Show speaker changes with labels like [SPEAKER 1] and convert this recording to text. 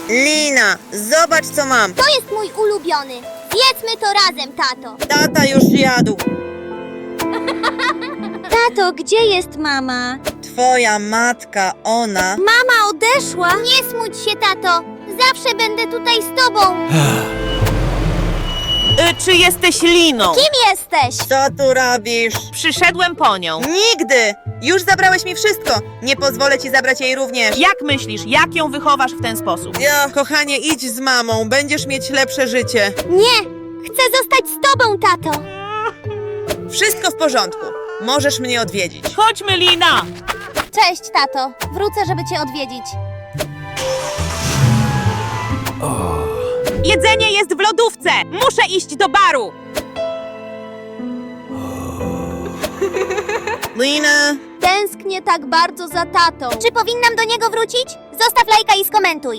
[SPEAKER 1] Lina, zobacz co mam.
[SPEAKER 2] To jest mój ulubiony. Zjedzmy to razem, tato.
[SPEAKER 1] Tata już jadł.
[SPEAKER 2] Tato, gdzie jest mama?
[SPEAKER 1] Twoja matka, ona...
[SPEAKER 2] Mama odeszła. Nie smuć się, tato. Zawsze będę tutaj z tobą.
[SPEAKER 3] Czy jesteś Liną?
[SPEAKER 2] Kim jesteś?
[SPEAKER 1] Co tu robisz?
[SPEAKER 3] Przyszedłem po nią.
[SPEAKER 1] Nigdy! Już zabrałeś mi wszystko. Nie pozwolę ci zabrać jej również.
[SPEAKER 3] Jak myślisz, jak ją wychowasz w ten sposób?
[SPEAKER 1] Kochanie, idź z mamą. Będziesz mieć lepsze życie.
[SPEAKER 2] Nie. Chcę zostać z tobą, tato.
[SPEAKER 1] Wszystko w porządku. Możesz mnie odwiedzić.
[SPEAKER 3] Chodźmy, Lina!
[SPEAKER 2] Cześć, tato. Wrócę, żeby cię odwiedzić.
[SPEAKER 3] Jedzenie jest w lodówce! Muszę iść do baru!
[SPEAKER 1] Lina...
[SPEAKER 2] Tęsknię tak bardzo za tatą. Czy powinnam do niego wrócić? Zostaw lajka i skomentuj.